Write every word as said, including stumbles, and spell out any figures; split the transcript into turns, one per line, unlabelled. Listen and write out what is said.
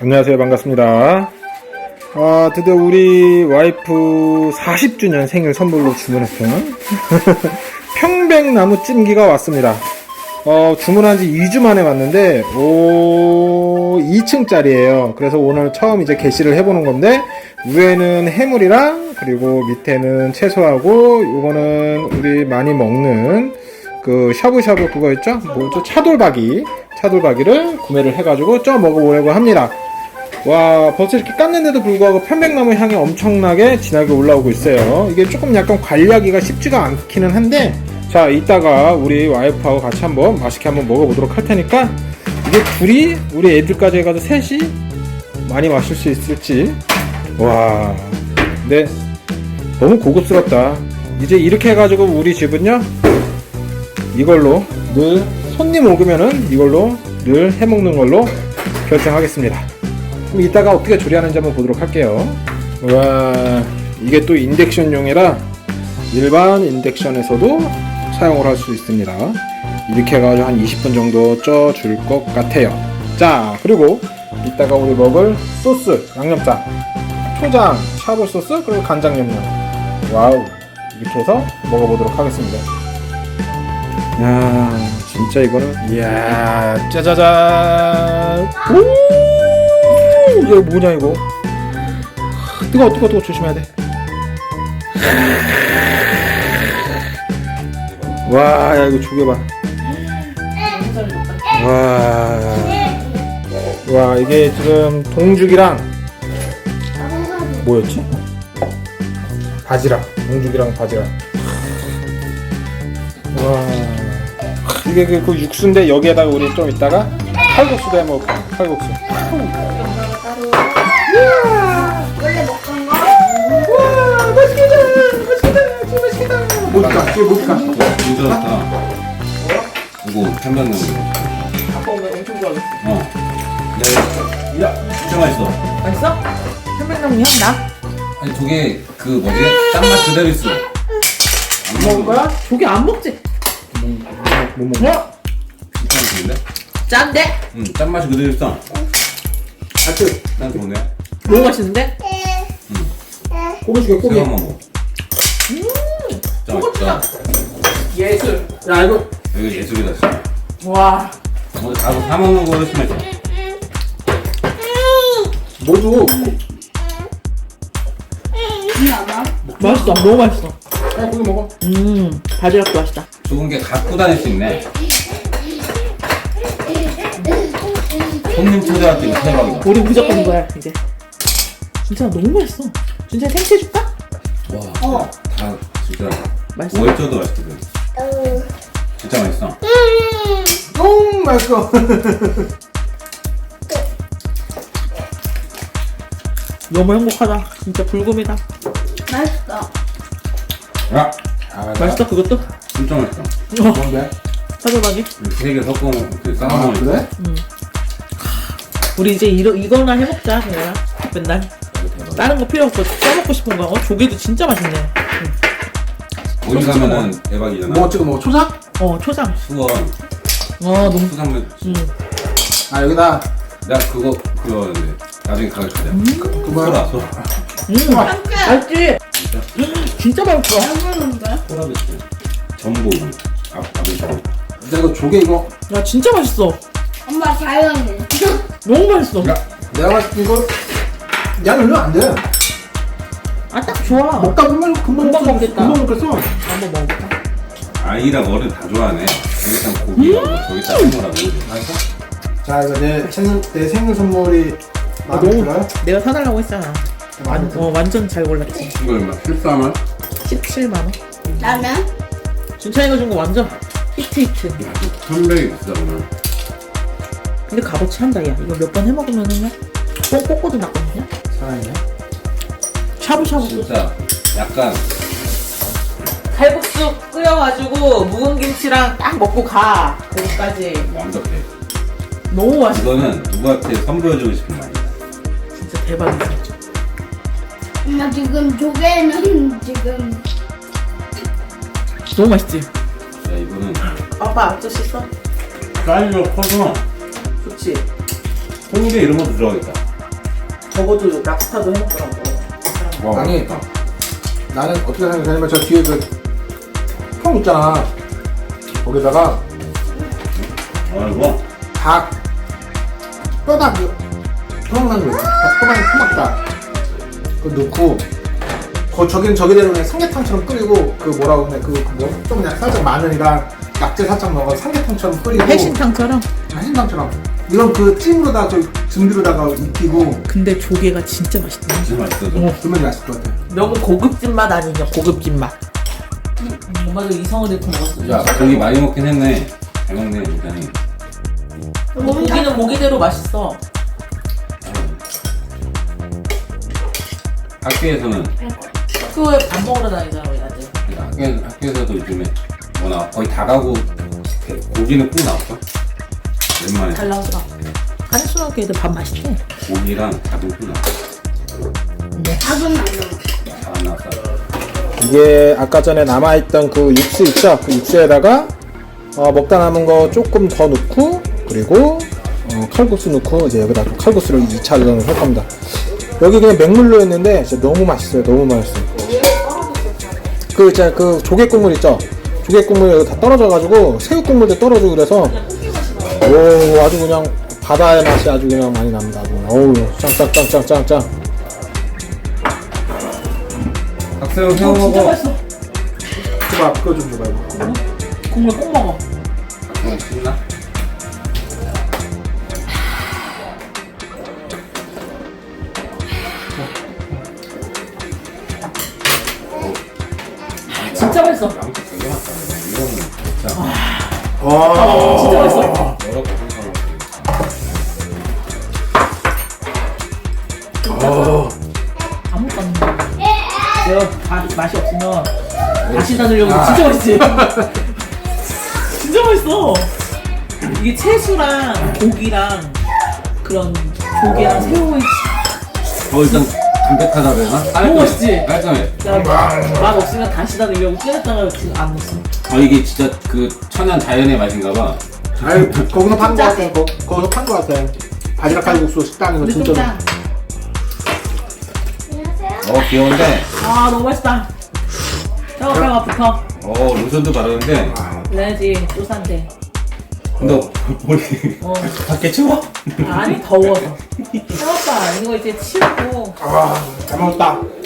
안녕하세요. 반갑습니다. 아, 드디어 우리 와이프 사십 주년 생일 선물로 주문했던 평백나무 찜기가 왔습니다. 어, 주문한 지 이 주 만에 왔는데, 오, 이 층짜리예요. 그래서 오늘 처음 이제 게시를 해보는 건데, 위에는 해물이랑, 그리고 밑에는 채소하고, 요거는 우리 많이 먹는, 그, 샤브샤브 그거 있죠? 뭐죠? 차돌박이. 차돌박이를 구매를 해가지고 쪄 먹어보려고 합니다. 와, 벌써 이렇게 깠는데도 불구하고 편백나무 향이 엄청나게 진하게 올라오고 있어요. 이게 조금 약간 관리하기가 쉽지가 않기는 한데, 자, 이따가 우리 와이프하고 같이 한번 맛있게 한번 먹어보도록 할 테니까, 이게 둘이, 우리 애들까지 해가지고 셋이 많이 마실 수 있을지. 와, 근데 너무 고급스럽다. 이제 이렇게 해가지고 우리 집은요, 이걸로 늘 손님 오면은 이걸로 늘 해먹는 걸로 결정하겠습니다. 그럼 이따가 어떻게 조리하는지 한번 보도록 할게요. 와, 이게 또 인덕션용이라 일반 인덕션에서도 사용을 할 수 있습니다. 이렇게 해가지고 한 이십 분 정도 쪄줄 것 같아요. 자, 그리고 이따가 우리 먹을 소스, 양념장, 초장, 샤브 소스, 그리고 간장 양념. 와우, 이렇게 해서 먹어보도록 하겠습니다. 야, 진짜 이거는, 이야, 짜자잔. 오, 이거 뭐냐 이거. 뜨거워 뜨거워 뜨거워, 조심해야 돼. 와, 야, 이거 조개봐. 와, 와, 이게 지금 동죽이랑 뭐였지? 바지락. 동죽이랑 바지락. 와, 이게 그, 그 육수인데 여기에다가 우리 좀 이따가 칼국수도 해 먹을까? 칼국수.
원래 먹던 거?
와, 맛있겠다. 맛있겠다. 진짜 맛있겠다. 뭘까? 이게 뭘까?
진짜 좋다. 이거 편백나무.
아빠 오늘 엄청 좋아하겠어.
어. 야, 야, 진짜 맛있어.
맛있어? 편백나무 향 나?
아니 저게 그 뭐지? 짠맛 그대로 있어. 안
먹을 거야? 조개 안 먹지?
뭐 먹어?
어?
괜찮은데?
짠데?
응, 짠맛이 그대로 있어.
하트.
난 좋네.
너무 맛있는데?
고기 줄게, 고기.
새우만 먹어.
음,
진짜 맛있다.
예술.
야, 이거.
여기 예술이다 진짜.
와.
오늘 가서 사 먹는 거 훨씬 맛있어.
뭐도.
맛있어. 너무 맛있어.
야, 고기 먹어.
음, 바지락도 맛있다.
좋은 게 갖고 다닐 수 있네. 손님 초대할 때 이거 대박이다.
우리 무조건 이거야 이제. 진짜 너무 맛있어. 진짜 생채 줄까?
와,
어.
다 진짜
맛있어?
월저도 맛있거든. 진짜 맛있어.
똥 맛있어.
너무 행복하다. 진짜 불금이다.
맛있어.
야,
맛있어 그것도?
진짜 맛있어.
어,
뭔데?
사줘봐기.
세 개 섞어 그 싸
아,
먹으면
그래?
우리 이제 이러, 이거나 해먹자 그냥 맨날. 다른 거 필요 없어. 써먹고 싶은 거. 어, 조개도 진짜 맛있네.
어디 가면은 대박이잖아.
뭐 찍어 먹어? 초장?
어, 초장.
수원
어, 너무.
수산물.
음.
아, 여기다.
나 그거 그거 나중에 가르쳐줘.
그거.
소라 소라.
음, 맛있지? 진짜 맛있어.
소라 비치. 전복. 앞 앞에 전복.
야, 이거 조개 이거.
야, 진짜 맛있어.
엄마 자연해.
너무 맛있어.
야, 내가 봤을 때 이거 양 얼마 안 돼.
아, 딱 좋아.
먹다 보면 금방
금방
먹겠어.
먹겠다.
금방 먹겠어.
한번 먹어볼까?
아이랑 어른 다 좋아하네. 여기다 고기하고 저기 짜증나라고.
알았어? 자, 이거 내 생일, 내 생일 선물이 마음에
너무-
들어요?
내가 사달라고 했잖아. 완, 어, 완전 잘 골랐지.
이거 얼마? 십사만?
십칠만 원.
나는?
준찬이가 준 거 완전 히트 히트.
천백이 비싸구나.
근데 값어치 한다, 야. 이거 몇 번 해먹으면은 뽕 뽑고도 났거든요?
사랑이네.
샤브샤브.
진짜 약간
칼국수 끓여가지고 묵은 김치랑 딱 먹고 가. 거기까지.
완벽해.
너무 맛있어.
이거는 누구한테 선보여주고 싶은 말이야.
진짜 대박이지.
엄마 지금 조개는 지금
너무 맛있지?
야, 이거는
아빠 아저씨 써?
사이즈가 커서
좋지?
홍게 이런 것도 들어가겠다.
저것도 랍스타도 해먹더라고.
와,
아니 나는 어떻게 생각하냐면 저 뒤에 그통 있잖아. 거기다가
아이고.
닭 뼈다귀 토막난 거 뼈다귀 토막닭 그거 넣고 거 저기는 저기대로 그냥 삼계탕처럼 끓이고 그 뭐라고 그냥 그뭐좀 그냥 살짝 마늘이랑 약재 살짝 넣어 삼계탕처럼 끓이고
해신탕처럼?
해신탕처럼 이건 그 찜으로다 저 준비로다가 익히고
근데 조개가 진짜 맛있다.
진짜 맛있어.
그러면 맛있을 것 같아.
너무 고급진 맛 아니냐, 고급진 맛. 음, 엄마도 이성을 잃고 먹었어.
야, 고기 많이 먹긴 했네. 잘 먹네, 굉장히.
고기는 고기대로 맛있어.
학교에서는,
학교에 밥 먹으러 다니잖아, 우리 아들.
학교, 학교에서도 요즘에 뭐나 거의 다 가고 고기는 꼭 나올까? 웬만해.
잘 나오더라. 한순하게 애들 밥 맛있대.
고기랑 닭은 꼭 나와.
닭은 안 넣어.
잘안 나왔어.
이게 아까 전에 남아있던 그 육수 있죠? 그 육수에다가 어, 먹다 남은 거 조금 더 넣고 그리고 어, 칼국수 넣고 이제 여기다 또 칼국수를 이 차를 할 겁니다. 여기 그냥 맹물로 했는데 진짜 너무 맛있어요. 너무 맛있어요. 그 있잖아요. 그 조개 국물 있죠? 조개 국물 여기 다 떨어져가지고 새우 국물도 떨어지고 그래서 오 아주 그냥 바다의 맛이 아주 그냥 많이 납니다. 아주 그냥. 어우 짱짱짱짱짱짱.
박세영 새우
진짜
먹어.
맛있어.
그거 그거 좀 줘봐요.
국물 꼭 먹어.
박세영 신나?
진짜 맛있어.
양쪽 되게 많다. 이거는 진짜
와.
진짜 맛있어.
여러 가지 생각을
아무것도 안 먹어. 내가 다 맛이 없으면 다시 다으려고 진짜 맛있지? 진짜 맛있어. 이게 채수랑 고기랑 그런 조개랑 새우의
어, 일단 담백하다 그래나?
너무 맛있지?
깔끔해.
맛 없으면 다시 다으려고 깨냈다가 지금 안 먹어.
아, 이게 진짜 그 천연 자연의 맛인가 봐.
아유 거기서 판 거 같아. 거, 거기서 판 거 같아. 바지락 칼국수 식당에서
근데 좀
진짜.
짠.
어, 귀여운데.
아 너무 맛있다. 잠깐 잠깐 붙어.
어, 로션도 바르는데.
그래야지 소스한테.
근데 머리
어.
밖에 추워?
아니 더워서. 해봤다. 이거 이제 치우고
아, 잘 먹었다.